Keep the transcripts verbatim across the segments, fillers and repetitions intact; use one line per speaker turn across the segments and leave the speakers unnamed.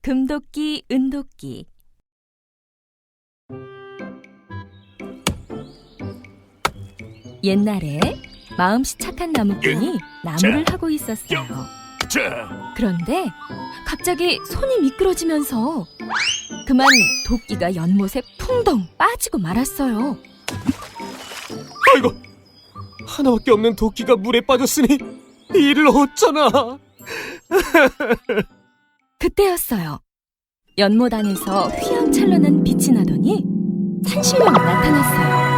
금도끼, 은도끼. 옛날에 마음씨 착한 나무꾼이 나무를 하고 있었어요. 그런데 갑자기 손이 미끄러지면서 그만 도끼가 연못에 풍덩 빠지고 말았어요.
아이고, 하나밖에 없는 도끼가 물에 빠졌으니 이를 어쩌나.
그때였어요. 연못 안에서 휘황찬란한 빛이 나더니 산신령이 나타났어요.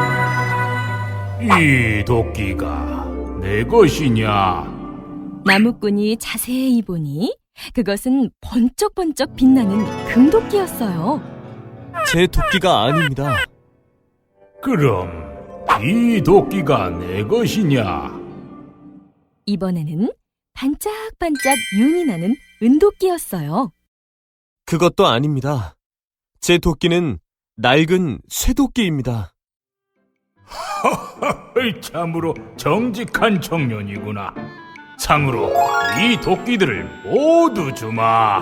이 도끼가 내 것이냐?
나무꾼이 자세히 보니 그것은 번쩍번쩍 빛나는 금도끼였어요.
제 도끼가 아닙니다.
그럼 이 도끼가 내 것이냐?
이번에는 반짝반짝 윤이 나는 은도끼였어요.
그것도 아닙니다. 제 도끼는 낡은 쇠도끼입니다.
참으로 정직한 청년이구나. 상으로 이 도끼들을 모두 주마.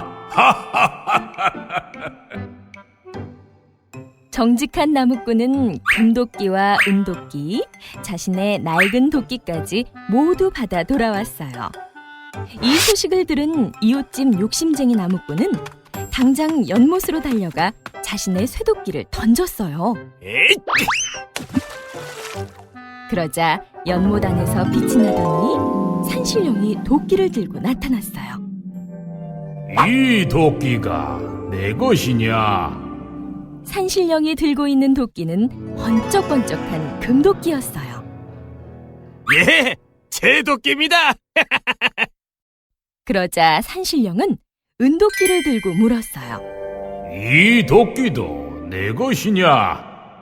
정직한 나무꾼은 금도끼와 은도끼, 자신의 낡은 도끼까지 모두 받아 돌아왔어요. 이 소식을 들은 이웃집 욕심쟁이 나무꾼은 당장 연못으로 달려가 자신의 쇠도끼를 던졌어요.
에잇!
그러자 연못 안에서 빛이 나더니 산신령이 도끼를 들고 나타났어요.
이 도끼가 내 것이냐?
산신령이 들고 있는 도끼는 번쩍번쩍한 금도끼였어요.
예, 제 도끼입니다.
그러자 산신령은 은도끼를 들고 물었어요.
이 도끼도 내 것이냐?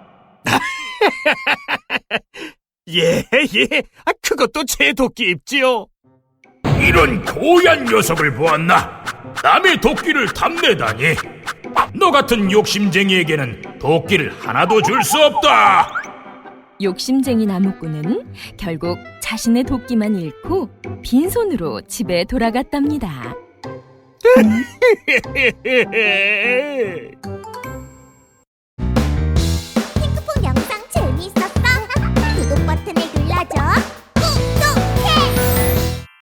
예, 예, 아, 그것도 제 도끼 입지요.
이런 고얀 녀석을 보았나? 남의 도끼를 탐내다니. 너 같은 욕심쟁이에게는 도끼를 하나도 줄 수 없다.
욕심쟁이 나무꾼은 결국 자신의 도끼만 잃고 빈손으로 집에 돌아갔답니다.